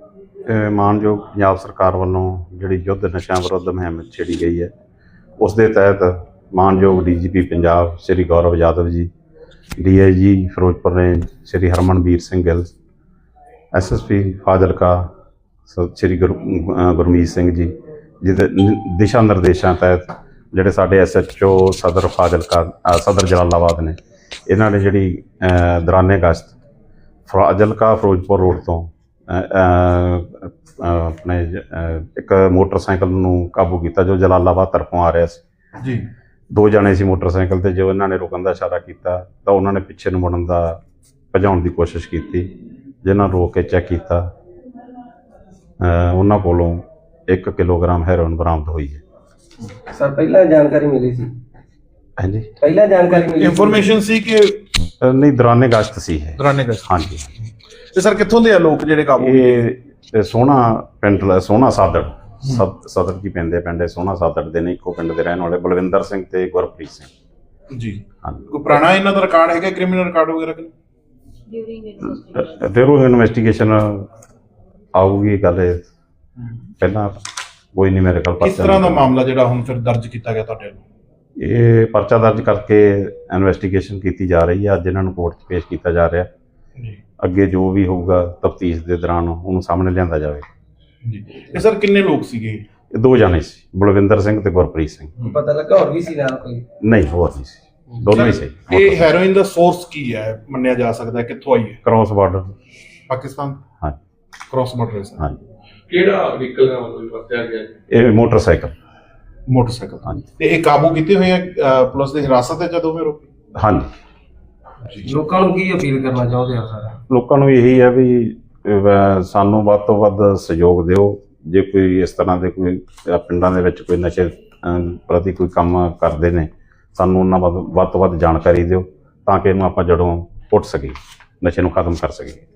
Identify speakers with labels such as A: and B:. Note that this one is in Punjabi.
A: ਮਾਣਯੋਗ ਪੰਜਾਬ ਸਰਕਾਰ ਵੱਲੋਂ ਜਿਹੜੀ ਯੁੱਧ ਨਸ਼ਿਆਂ ਵਿਰੁੱਧ ਮੁਹਿੰਮ ਛੇੜੀ ਗਈ ਹੈ, ਉਸ ਦੇ ਤਹਿਤ ਮਾਣਯੋਗ DGP ਪੰਜਾਬ ਸ਼੍ਰੀ ਗੌਰਵ Yadav ji, DIG Ferozepur range Shri Harmanvir Singh Gill, SSP Fazilka Shri Gurmeet Singh ji, ਜਿਹਦੇ ਦਿਸ਼ਾ ਨਿਰਦੇਸ਼ਾਂ ਤਹਿਤ ਜਿਹੜੇ ਸਾਡੇ SHO ਸਦਰ ਫਾਜ਼ਿਲਕਾ ਸਦਰ ਜਲਾਲਾਬਾਦ ਨੇ, ਇਹਨਾਂ ਨੇ ਜਿਹੜੀ ਦੌਰਾਨੇ ਗਸ਼ਤ ਫਾਜ਼ਿਲਕਾ ਫਿਰੋਜ਼ਪੁਰ ਰੋਡ ਤੋਂ ਆਪਣੇ ਇੱਕ ਮੋਟਰਸਾਈਕਲ ਨੂੰ ਕਾਬੂ ਕੀਤਾ ਜੋ ਜਲਾਲਾਬਾਦ ਤਰਫੋਂ ਆ ਰਿਹਾ ਸੀ ਜੀ। 2 ਜਣੇ ਸੀ ਮੋਟਰਸਾਈਕਲ ਤੇ। ਜੋ ਇਹਨਾਂ ਨੇ ਰੁਕਣ ਦਾ ਇਸ਼ਾਰਾ ਕੀਤਾ ਤਾਂ ਉਹਨਾਂ ਨੇ ਪਿੱਛੇ ਨੂੰ ਮੁੜਨ ਦਾ ਭਜਾਉਣ ਦੀ ਕੋਸ਼ਿਸ਼ ਕੀਤੀ, ਜਿਨ੍ਹਾਂ ਰੋਕ ਕੇ ਚੈੱਕ ਕੀਤਾ, ਉਹਨਾਂ ਕੋਲੋਂ 1 ਕਿਲੋਗ੍ਰਾਮ ਹੈਰੋਇਨ ਬਰਾਮਦ ਹੋਈ ਹੈ।
B: ਸਰ ਪਹਿਲਾਂ ਜਾਣਕਾਰੀ ਮਿਲੀ ਸੀ?
A: ਹਾਂਜੀ,
B: ਪਹਿਲਾਂ ਜਾਣਕਾਰੀ ਮਿਲੀ,
C: ਇਨਫੋਰਮੇਸ਼ਨ ਸੀ ਕਿ
A: ਨਹੀਂ, ਦੌਰਾਨੇ ਗਸ਼ਤ ਸੀ ਇਹ।
C: ਦੌਰਾਨੇ ਗਸ਼ਤ,
A: ਹਾਂਜੀ।
C: ਤੇ ਸਰ ਕਿੱਥੋਂ ਦੇ ਆ ਲੋਕ ਜਿਹੜੇ ਕਾਬੂ?
A: ਇਹ ਸੋਹਣਾ ਪਿੰਡ, ਸੋਹਣਾ ਸਾਦੜ ਸਦਰ ਕੀ ਪੈਂਦੇ ਪਿੰਡ ਸੋਹਣਾ ਸਾਦੜ ਦੇ ਨੇ, ਇੱਕੋ ਪਿੰਡ ਦੇ ਰਹਿਣ ਵਾਲੇ ਬਲਵਿੰਦਰ ਸਿੰਘ ਤੇ ਗੁਰਪ੍ਰੀਤ ਸਿੰਘ
C: ਜੀ। ਕੋਈ ਪੁਰਾਣਾ ਇਹਨਾਂ ਦਾ ਰਿਕਾਰਡ ਹੈਗਾ, ਕ੍ਰਿਮੀਨਲ ਰਿਕਾਰਡ ਵਗੈਰਾ?
A: ਫਿਰ ਇਨਵੈਸਟੀਗੇਸ਼ਨ ਆਊਗੀ ਗੱਲ। ਪਹਿਲਾਂ ਕੋਈ ਨਹੀਂ ਮੇਰੇ ਕੋਲ।
C: ਕਿਸ ਤਰ੍ਹਾਂ ਦਾ ਮਾਮਲਾ ਜਿਹੜਾ ਹੁਣ ਫਿਰ ਦਰਜ ਕੀਤਾ ਗਿਆ ਤੁਹਾਡੇ ਵੱਲੋਂ?
A: ਇਹ ਪਰਚਾ ਦਰਜ ਕਰਕੇ ਇਨਵੈਸਟੀਗੇਸ਼ਨ ਕੀਤੀ ਜਾ ਰਹੀ ਹੈ। ਅੱਜ ਇਹਨਾਂ ਨੂੰ ਕੋਰਟ 'ਚ ਪੇਸ਼ ਕੀਤਾ ਜਾ ਰਿਹਾ ਜੀ। ਅੱਗੇ ਜੋ ਵੀ ਹੋਊਗਾ ਤਫਤੀਸ਼ ਦੇ ਦੌਰਾਨ ਉਹਨੂੰ ਸਾਹਮਣੇ ਲਿਆਂਦਾ ਜਾਵੇ
C: ਜੀ। ਇਹ ਸਰ ਕਿੰਨੇ ਲੋਕ ਸੀਗੇ?
A: ਇਹ 2 ਜਣੇ ਸੀ, ਬਲਵਿੰਦਰ ਸਿੰਘ ਤੇ ਗੁਰਪ੍ਰੀਤ ਸਿੰਘ।
B: ਪਤਾ ਲੱਗਾ ਹੋਰ ਵੀ ਸੀ ਨਾਲ ਕੋਈ?
A: ਨਹੀਂ, ਹੋਰ ਨਹੀਂ ਸੀ, ਦੋਨੋਂ ਹੀ ਸੀ।
C: ਇਹ ਹੈਰੋਇਨ ਦਾ ਸੋਰਸ ਕੀ ਹੈ ਮੰਨਿਆ ਜਾ ਸਕਦਾ ਹੈ? ਕਿੱਥੋਂ ਆਈ ਹੈ?
A: Cross border
C: Pakistan.
A: ਹਾਂ,
C: ਕ੍ਰਾਸ ਬਾਰਡਰ ਹੈ।
A: ਹਾਂਜੀ।
D: ਕਿਹੜਾ ਵਹੀਕਲ ਦਾ ਮਤਲਬ ਵਰਤਿਆ ਗਿਆ?
A: ਇਹ ਮੋਟਰਸਾਈਕਲ।
C: ਮੋਟਰਸਾਈਕਲ।
A: ਹਾਂਜੀ।
C: ਤੇ ਇਹ ਕਾਬੂ ਕੀਤੇ ਹੋਏ ਆ ਪੁਲਿਸ ਦੀ ਹਿਰਾਸਤ ਵਿੱਚ ਜਦੋਂ ਵੀ ਰੋਕੀ?
A: ਹਾਂਜੀ।
B: ਲੋਕਾਂ ਨੂੰ ਕੀ ਅਪੀਲ ਕਰਨਾ ਚਾਹੁੰਦੇ ਹੋ ਸਰ?
A: ਲੋਕਾਂ ਨੂੰ ਇਹੀ ਹੈ ਵੀ ਸਾਨੂੰ ਵੱਧ ਤੋਂ ਵੱਧ ਸਹਿਯੋਗ ਦਿਓ। ਜੇ ਕੋਈ ਇਸ ਤਰ੍ਹਾਂ ਦੇ ਕੋਈ ਪਿੰਡਾਂ ਦੇ ਵਿੱਚ ਕੋਈ ਨਸ਼ੇ ਪ੍ਰਤੀ ਕੋਈ ਕੰਮ ਕਰਦੇ ਨੇ, ਸਾਨੂੰ ਉਹਨਾਂ ਵੱਧ ਤੋਂ ਵੱਧ ਜਾਣਕਾਰੀ ਦਿਓ ਤਾਂ ਕਿ ਇਹਨੂੰ ਆਪਾਂ ਜੜੋਂ ਪੁੱਟ ਸਕੀਏ, ਨਸ਼ੇ ਨੂੰ ਖਤਮ ਕਰ ਸਕੀਏ।